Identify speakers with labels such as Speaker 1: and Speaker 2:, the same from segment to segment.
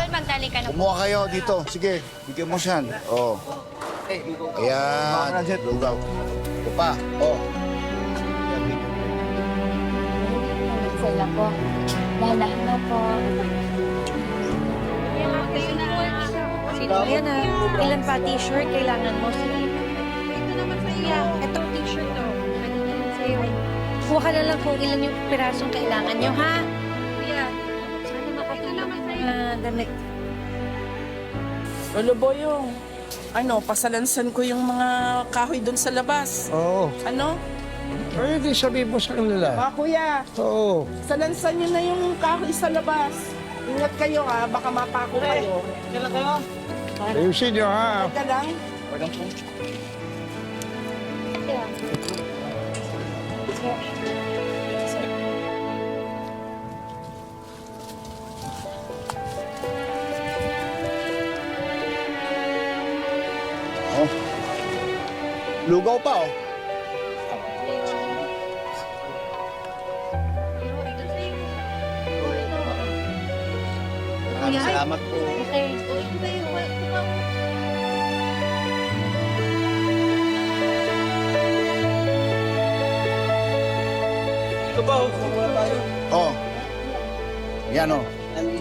Speaker 1: magdali ka na po.
Speaker 2: Kumuha kayo dito. Sige, bigyan mo siyan. Oh. Ayan. Lugaw. Ito pa. Oh.
Speaker 1: Sila po. Dalahan na po.
Speaker 3: Sino yan ah? Ilan pa t-shirt kailangan mo? Sige. Ito naman sa iya. Ito t-shirt to. Pwede na yan sa'yo. Kuha ka na lang kung ilan yung pirasong kailangan nyo, ha? Kuya, sana makatulong naman sa'yo. Damit.
Speaker 4: Lolo Boyong, pasalansan ko yung mga kahoy doon sa labas.
Speaker 5: Oo.
Speaker 4: Ano?
Speaker 5: Pwede sabihin mo sa kanila.
Speaker 4: Kuya,
Speaker 5: Oo.
Speaker 4: salansan nyo na yung kahoy sa labas. Ingat kayo ha, baka mapako kayo. Kailan kayo?
Speaker 5: Ayusin nyo ha.
Speaker 4: Ka lang.
Speaker 2: Oh. Lugaw pa, oh. Salamat po.
Speaker 1: Okay.
Speaker 6: Ito ba? Kumuha tayo.
Speaker 2: Oh. Yan, oh.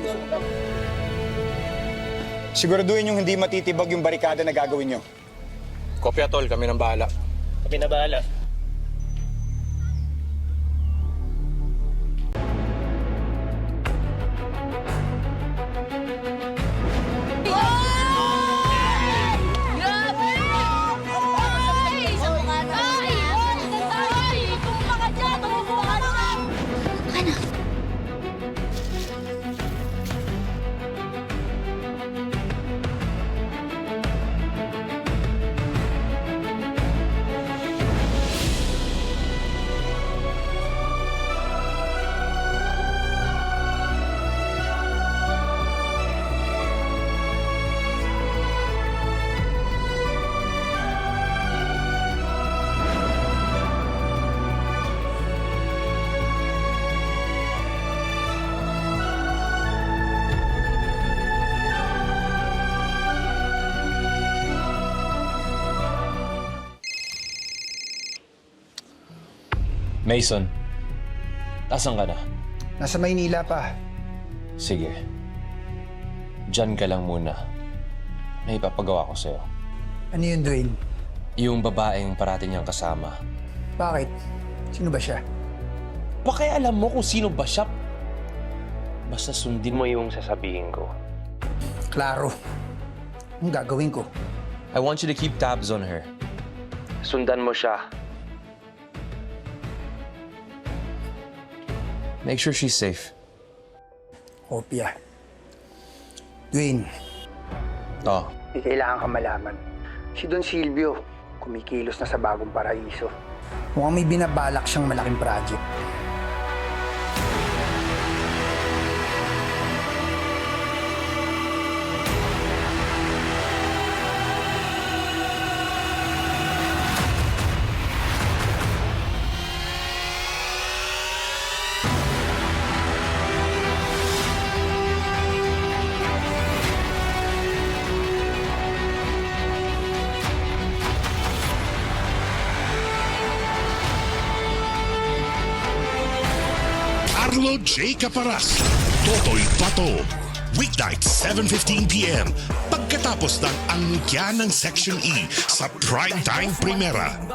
Speaker 2: Siguraduhin yung hindi matitibag yung barikada na gagawin nyo.
Speaker 6: Kopya, tol. Kami nang bahala. Kami na bahala.
Speaker 1: Grabe! Ay! Sa mga ay! Ay! Tumula ka dyan! Tumula ka dyan! Ano?
Speaker 7: Mason, asan ka na?
Speaker 5: Nasa Maynila pa.
Speaker 7: Sige. Diyan ka lang muna. May ipapagawa ko sa'yo.
Speaker 5: Ano yun, Dwayne?
Speaker 7: Yung babaeng parati niyang kasama.
Speaker 5: Bakit? Sino ba siya?
Speaker 7: Baka alam mo kung sino ba siya. Basta sundin mo yung sasabihin ko.
Speaker 5: Klaro. Anong gagawin ko?
Speaker 7: I want you to keep tabs on her. Sundan mo siya. Make sure she's safe.
Speaker 5: Kopya. Dwayne,
Speaker 7: Oh,
Speaker 5: di kailangan ka malaman. Si Don Silvio, kumikilos na sa bagong paraiso. Mukhang may binabalak siyang malaking project.
Speaker 8: Carlo J. Caparas, Totoy Pato. Weeknight, 7:15 p.m. Pagkatapos ng angkya ng Section E sa Primetime Primera.